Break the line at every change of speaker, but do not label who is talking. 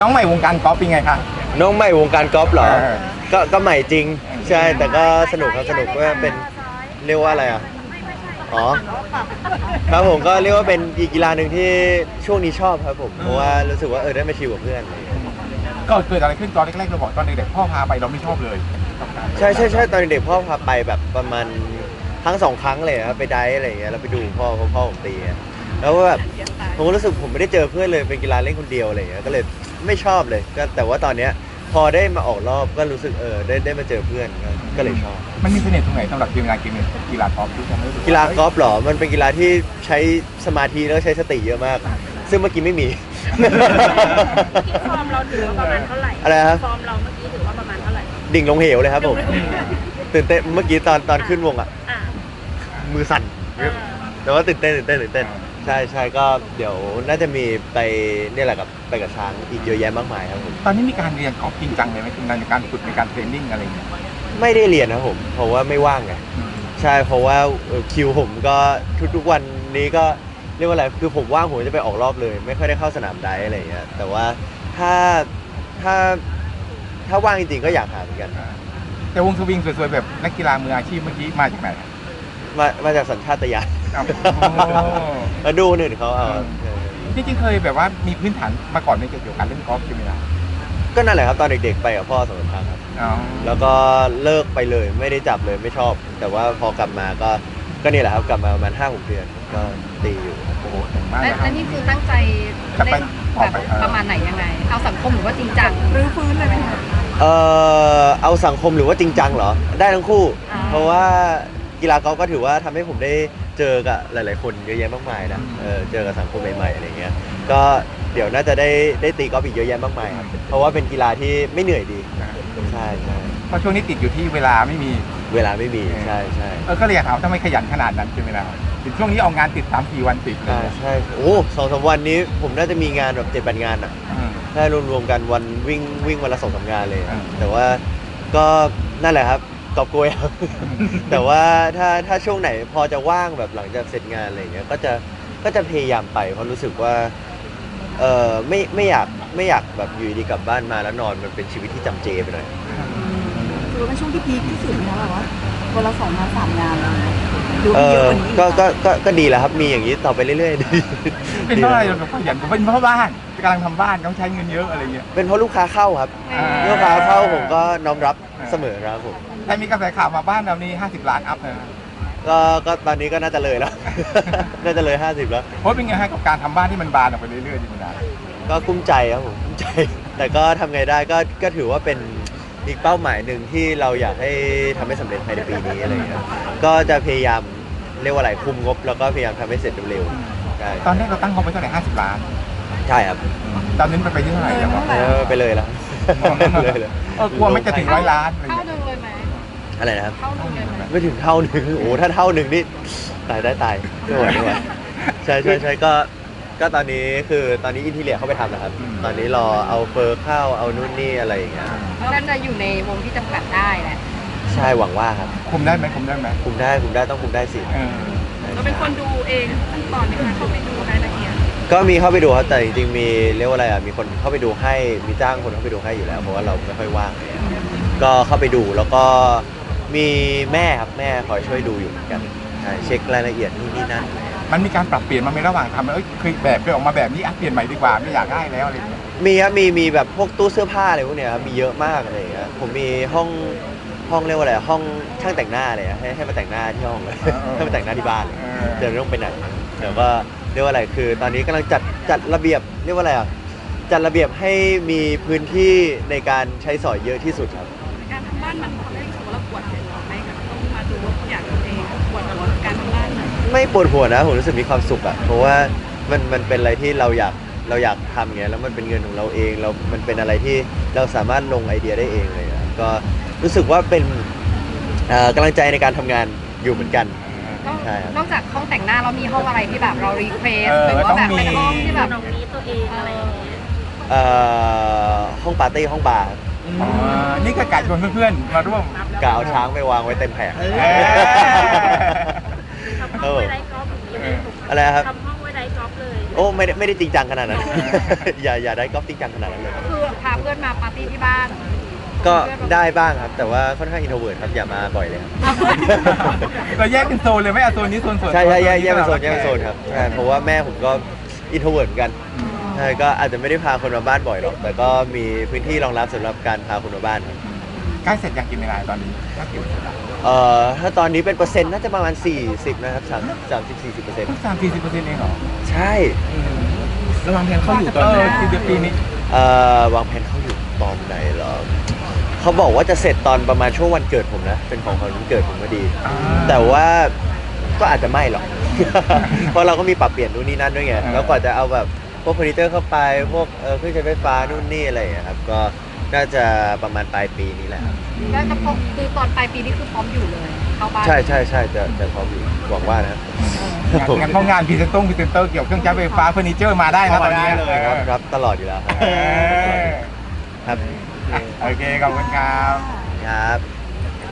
น้องใหม่วงการกอล์ฟเป็นไงคะ
น้องใหม่วงการกอล์ฟเหรอ
เออ
ก็ใหม่จริงใช่แต่ก็สนุกครับสนุกว่าเป็นเรียกว่าอะไรอ่ะอ๋อครับผมก็เรียกว่าเป็นอีกกีฬาหนึ่งที่ช่วงนี้ชอบครับผมเพราะว่ารู้สึกว่าได้มาชิลกับเพื่อน
ก็เกิดอะไรขึ้นตอนแรกๆเราบอกตอนเด็กๆพ่อพาไปเราไม่ชอบเลย
ใช่ตอนเด็กพ่อพาไปแบบประมาณครั้งสองครั้งเลยครับไปไดฟ์อะไรอย่างเงี้ยแล้วไปดูพ่อผมตีอะแล้วก็แบบผมก็รู้สึกผมไม่ได้เจอเพื่อนเลยเป็นกีฬาเล่นคนเดียวอะไรอย่างเงี้ยก็เลยไม่ชอบเลยก็แต่ว่าตอนเนี้ยพอได้มาออกรอบก็รู้สึกได้มาเจอเพื่อนก็เลยชอบ
มันมีเสน่ห์ตรงไหนสำหรับกีฬากอล์ฟที่ทำให้รู้สึ
กีฬากอล์ฟเหรอมันเป็นกีฬาที่ใช้สมาธิแล้วก็ใช้สติเยอะมาก ซึ่งเมื่อกี้ไม่มี
ฟอร์มเราถือว่าประมาณเท่าไหร่
อะไรครับ
ฟอร์มเราเมื่อกี้ถือว่าประมาณเท่าไหร่
ดิ่งลงเหวเลยครับผมตื่นเต้นเมื่อกี้ตอนขึ้นวงอ่ะ
อ่า
มือสั่นแต่ว่าตื่นเต้นใช่ก็เดี๋ยวน่าจะมีไปเนี่ยแหละไปกับช้างอีกเยอะแยะมากมายครับผม
ตอนนี้มีการเรียนกอล์ฟจริงจังเลยไหมในการฝึกในการเทรนนิ่งอะไรอย่างเงี้ย
ไม่ได้เรียนนะครับผมเพราะว่าไม่ว่างไงใช่เพราะว่าคิวผมก็ทุกวันนี้ก็เรียกว่าอะไรคือผมว่างผมจะไปออกรอบเลย ไม่ค่อยได้เข้าสนามไดฟ์อะไรอย่างเงี้ยแต่ว่าถ้าถ้าถ้าว่างจริงๆก็อยากหาเหมือนกัน
แต่วงสวิงสวยๆแบบนักกีฬามืออาชีพเมื่อกี้มาจากไหน
มาจากสัญชาตญาณ
อ้าว
มาดูคนอื่นเขาเอา
จริงๆเคยแบบว่ามีพื้นฐานมาก่อนในเกี่ยวกับการเล่นกอล์ฟใช่ไหมล่ะ
ก็นั่นแหละครับตอนเด็กๆไปกับพ่อสองครั้งครับ
อ๋อ
แล้วก็เลิกไปเลยไม่ได้จับเลยไม่ชอบ แต่ว่าพอกลับมาก็นี่แหละครับกลับมาประมาณ5-6 เดือนก็ตีอยู่
โอ้โหเก่งมาก
และ
เลยครั
และ
บ
นี่คือตั้งใจ
จะไป
เล่น
ต่อ
แบบ
ไป
ประมาณไหนยังไง เอาสังคมหรือว่าจริงจังรื้อฟื้นเลยไหมคะ
เอาสังคมหรือว่าจริงจังเหรอได้ทั้งคู่
อ่า
เพราะว่ากีฬากอล์ฟก็ถือว่าทำให้ผมได้เจอกับหลายๆคนเยอะแยะมากมายนะเจอกับสังคมใหม่ๆอะไรเงี้ยก็เดี๋ยวน่าจะได้ตีกอล์ฟอีกเยอะแยะมากมายครับเพราะว่าเป็นกีฬาที่ไม่เหนื่อยดีใช่
เพราะช่วงนี้ติดอยู่ที่เวลาไม่มี
เวลาไม่มีใช่
ก็เลยอยากถามทำไมขยันขนาดนั้นใช่ไหมล่ะถึงช่วงนี้เอางานติด3-4 วันติดเลย
ใช่โอ้2-3 วันนี้ผมน่าจะมีงานแบบ7-8 งานอ่ะ
อืม
ถ้ารวมๆกันวันวิ่งวันละ2-3 งานเลย
อืม
แต่ว่าก็นั่นแหละครับกอบโกยครับ แต่ว่าถ้าช่วงไหนพอจะว่างแบบหลังจากเสร็จงานอะไรอย่างเงี้ยก็จะพยายามไปเพราะรู้สึกว่าไม่อยากแบบอยู่ดีกลับบ้านมาแล้วนอนมันเป็นชีวิตที่จำเจไปหน่อย
ถือว่าเป็นช่วงที่พีคที่สุดนะแบบว่าวันละ2 งาน 3 งานแล้วดู
เอ
เยอะ
อก
ว่านี้
ก็ดีแล้วครับมีอย่างนี้ต่อไปเรื่อยๆดี
เป็นเพราะอะไรเราขยันเป็นเพราะบ้านกำลังทำบ้านต้องใช้เงินเยอะอะไรเงี้ย
เป็นเพราะลูกค้าเข้าครับ ลูกค้าเข้าผมก็น้อมรับเสมอครับผม
แต่มีกระแสข่าวมาบ้านเรานี่50 ล้านอัพนะ
ก็ตอนนี้ก็น่าจะเลยแล้ว น่าจะเลย50แล้ว
เพราะเป็นไงฮะกับการทำบ้านที่มันบานออกไปเรื่อยๆดีมันนะ
ก็กุ้มใจครับผมกุ้มใจ แต่ก็ทำไงได้ก็ถือว่าเป็นอีกเป้าหมายหนึ่งที่เราอยากให้ทำให้สำเร็จภายในปีนี้อะไรอย่างเงี้ยก็จะพยายามเรียกว่าอะไรคุมงบ แล้วก็พยายามทำให้เสร็จเร็วๆใช่
ตอนแรกเราตั้งงบไว้เท่าไหร่50 ล้าน
ใช่ครับ
ตอนนี้มันไปที่เท่าไหร่แล้ววะ
ไปเลยแล้ว เลย
กลัวไม่จะถึง100 ล้านอะไร
เท่า
เงี้ย
นึงเลยไหม
อะไรนะครับ
เท่านึงเลยไหม
ไม่ถึงเท่าหนึ่งโอ้โหถ้าเท่าหนึ่งนี่ตายไม่ไหวใช่ก็ตอนนี้คือตอนนี้อินทีเรียเข้าไปทำนะครับ ตอนนี้รอเอาเฟอร์เข้าเอานู่นนี่อะไรอย่างเงี้ย
น่าจะอยู่ในวงที่จำกัดได้แหละ
ใช่หวังว่าครับ
คุมได้ไหมคุมได้ไหม
คุมได้ต้องคุมได้สิ
เออ
เราเป็นคนดูเองขั้นตอนในการเข้าไปดูรายละเอียด
ก็มีเข้าไปดูครับแต่จริงๆมีเรียกว่าอะไรอ่ะมีคนเข้าไปดูให้มีจ้างคนเข้าไปดูให้อยู่แล้วเพราะว่าเราไม่ค่อยว่างก็เข้าไปดูแล้วก็มีแม่ครับแม่คอยช่วยดูอยู่เหมือนกันใช่เช็ครายละเอียดนู่นนี่นั่น
มันมีการปรับเปลี่ยนมาในระหว่างทำเคยออกมาแบบนี้เปลี่ยนใหม่ดีกว่าไม่อยากได้แล้วอะไรเงี้ย
มีครับมีแบบพวกตู้เสื้อผ้าอะไรพวกเนี้ยครับมีเยอะมากอะไรอย่างเงี้ยผมมีห้องเรียกว่าอะไรห้องช่างแต่งหน้าเลยอะให้มาแต่งหน้าที่ห้องเลยให้มาแต่งหน้าที่บ้านเลยเดี๋ยวไม่ต้องไปไหนเดี๋ยวก็เรียกว่าอะไรคือ ตอนนี้กำลังจัดระเบียบเรียกว่าอะไรอ่ะจัดระเบียบให้มีพื้นที่ในการใช้สอยเยอะที่สุดครับ
การทำบ้านมันทำให้รู้สึกว่าเราปวดหัวไหมกับต้องมาดูว่าทุกอย่างตัวเองปวดกับการทำบ้าน
ไม่ปวดหัวนะผมรู้สึกมีความสุขอ่ะเพราะว่ามันเป็นอะไรที่เราอยากทำอย่างเงี้ยแล้วมันเป็นเงินของเราเองมันเป็นอะไรที่เราสามารถลงไอเดียได้เองเลยอะก็รู้สึกว่าเป็นกำลังใจในการทำงานอยู่เหมือนกัน ใช่ครับ
นอกจากห้องแต่งหน้าเรามีห้องอะไรที่แบบเรารีเควสหรือว่าแบบเป็นห้องที่แบบ
ตรงนี้ตัวเองอะไรอย่างเงี้ย
ห้องปาร์ตี้ห้องบาร์
อ๋อนี่ก็กะชวนเพื่อนๆมาร่วม
กะเอาช้างไปวางไว้เต็มแผง
ทำห้องไว้ไร้กอล์ฟอย่างนี้เลย
อะไรครับ
ทำห้องไว้ไร้กอล์ฟเลย
โอ้ไม่ได้จริงจังขนาดนั้น อย่าได้กอล์ฟจริงจังขนาดนั้นเลย
ก็คือพาเพื่อนมาปาร์ตี้ที่บ้าน
ก็ได้บ้างครับ แต่ว่าค่อนข้างอินโทรเวิร์ตครับอย่ามาบ่อยเลยครับ
เอาเพื่อน
เราแยกเป็นโซนเลยไหมโซนนี้โซนส่วน
ใช่แยกเป็นโซนครับใช่เพราะว่าแม่ผมก็อินโทรเวิร์ตเหมือนกันใช่ก็อาจจะไม่ได้พาคนมาบ้านบ่อยหรอก แต่ก็มีพื้นที่รองรับสำหรับการพาคนมาบ้านครับ
ใกล้เสร็จยังกินยังไงตอนนี้ถ้าอยู่
ถ้าตอนนี้เป็นเปอร์เซ็นต์น่าจะประมาณ40นะครับ30-40%
30-40%เองเหรอ
ใช่
ระวังแผนเข้าอยู่ตอนนี้ปีนี้
วางแผนเขาอยู่ตอนไหนเหรอเขาบอกว่าจะเสร็จตอนประมาณช่วงวันเกิดผมนะ เป็นของขวัญวันเกิดผมพอดี แต่ว่าก็อาจจะไม่หรอก เพราะเราก็มีปรับเปลี่ยนนู่นนี่นั่นด้วยไง แล้วกว่าจะเอาแบบพวกเฟอร์นิเจอร์เข้าไป พวกเครื่องใช้ไฟฟ้านู่นนี่อะไรอย่างเงี้ยครับ ก็น่าจะประมาณปลายปีนี้แหละครับ
แล้วจะพอคือตอนปลายปีนี้คือพร้อมอยู่เลยเข้าบ้าน
ใช่จะพร้อมอยู่หวังว่านะ
งั้นเพราะงานพรีเซนเตอร์เกี่ยวกับเครื่องใช้ไฟฟ้าเฟอร์นิเจอร์มาได้นะตอนนี้
ครับตลอดอยู่แล้วครับ
เออ
ครับ
โอเคขอบคุณครับ
ครับ